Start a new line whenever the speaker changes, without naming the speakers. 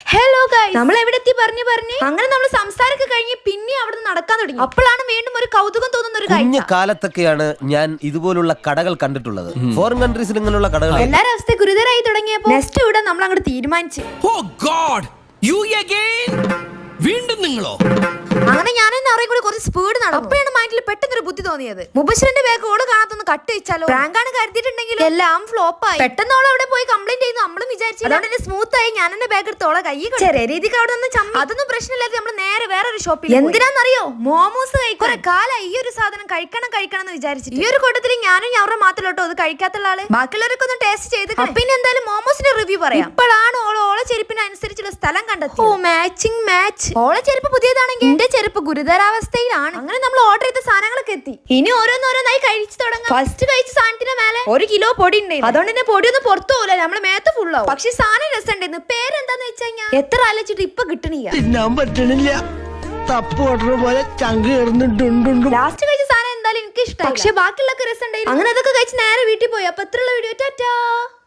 Hello guys, നമ്മൾ എവിടെ എത്തി പറഞ്ഞു അങ്ങനെ നമ്മൾ സംസാരമൊക്കെ കഴിഞ്ഞ് പിന്നെ അവിടെ നടക്കാൻ തുടങ്ങി. അപ്പോഴാണ് വീണ്ടും ഒരു കൗതുകം തോന്നുന്ന ഒരു കാര്യം.
കാലത്തൊക്കെയാണ് ഞാൻ ഇതുപോലുള്ള കടകൾ കണ്ടിട്ടുള്ളത്. ഫോറിൻ കൺട്രീസിൽ ഇങ്ങനെയുള്ള കടകൾ.
എല്ലാരും അവസ്ഥ ഗുരുതരായി തുടങ്ങിയപ്പോ നെക്സ്റ്റ് ഇവിടെ നമ്മൾ അങ്ങോട്ട് തീരുമാനിച്ചു.
വീണ്ടും നിങ്ങളോ?
അങ്ങനെ ഞാനും അവരെയും കൂടി കുറച്ച് സ്പീഡ് നടന്നു. അപ്പോഴാണ് മൈൻഡിൽ പെട്ടെന്നൊരു ബുദ്ധി തോന്നിയത്, മുബശ്ശിറിന്റെ ബാഗ് ഓള് കാണാത്തൊന്ന് കട്ട് വെച്ചാലോ. പ്രാങ്കാണ് കരുതിയിട്ടുണ്ടെങ്കിൽ എല്ലാം ഫ്ലോപ്പ് ആയി. പെട്ടെന്ന് ഓളെ അവിടെ പോയി കംപ്ലൈന്റ് ചെയ്യുന്നു. നമ്മളും വിചാരിച്ചു അതുകൊണ്ട് സ്മൂത്ത് ആയി ഞാൻ എന്റെ ബാഗ് എടുത്ത് ഓളെ കൈ ചെറിയ രീതിക്ക് അവിടെ നിന്ന് ചമ്മി. അതൊന്നും പ്രശ്നമില്ലാതെ നമ്മൾ നേരെ വേറൊരു ഷോപ്പിൽ. എന്തിനാന്നറിയോ? മോമോസ് കഴിക്കും. കാലായി ഈ ഒരു സാധനം കഴിക്കണം എന്ന് വിചാരിച്ചു. ഈ ഒരു കൂട്ടത്തിൽ ഞാനും ഞവരുടെ മാത്രമല്ലോ അത് കഴിക്കാത്തുള്ള ആള്. ബാക്കിയുള്ളവരൊക്കെ ഒന്ന് ടേസ്റ്റ് ചെയ്ത് പിന്നെ എന്തായാലും മോമോസിന്റെ റിവ്യൂ പറയാം. ഇപ്പോഴാണ് ഓളെ ചെരുപ്പിനനുസരിച്ചുള്ള സ്ഥലം കണ്ടെത്തി. മാച്ച് ഓളെ ചെരുപ്പ് പുതിയതാണെങ്കിൽ എന്റെ ചെരുപ്പ് ഗുരുതരാവസ്ഥയിലാണ്. അങ്ങനെ നമ്മൾ ഓർഡർ ചെയ്ത സാധനങ്ങളൊക്കെ എത്തി. ഇനി ഓരോന്നോരോന്നായി കഴിച്ചു തുടങ്ങാം. ഫസ്റ്റ് കഴിച്ച സാധനത്തിന് മേലെ 1 കിലോ പൊടി ഉണ്ടായിരുന്നു. അതുകൊണ്ട് തന്നെ പൊടിയൊന്നും പുറത്തു പോകില്ല, നമ്മള് മേത്ത് ഫുള്ളാവും. പക്ഷെ സാധനം രസമുണ്ടായിരുന്നു. പേരെന്താന്ന് വെച്ച് കഴിഞ്ഞാൽ എത്ര ആലോചിച്ചിട്ട് ഇപ്പൊ കിട്ടണില്ല. ലാസ്റ്റ് കഴിച്ച സാധനം എന്തായാലും എനിക്ക് ഇഷ്ടമായി. പക്ഷെ ബാക്കിയുള്ളൊക്കെ രസം ഉണ്ടായിരുന്നു. അങ്ങനെ അതൊക്കെ കഴിച്ച് നേരെ വീട്ടിൽ പോയി. അപ്പൊ എത്രയുള്ള വീഡിയോ ടാറ്റാ.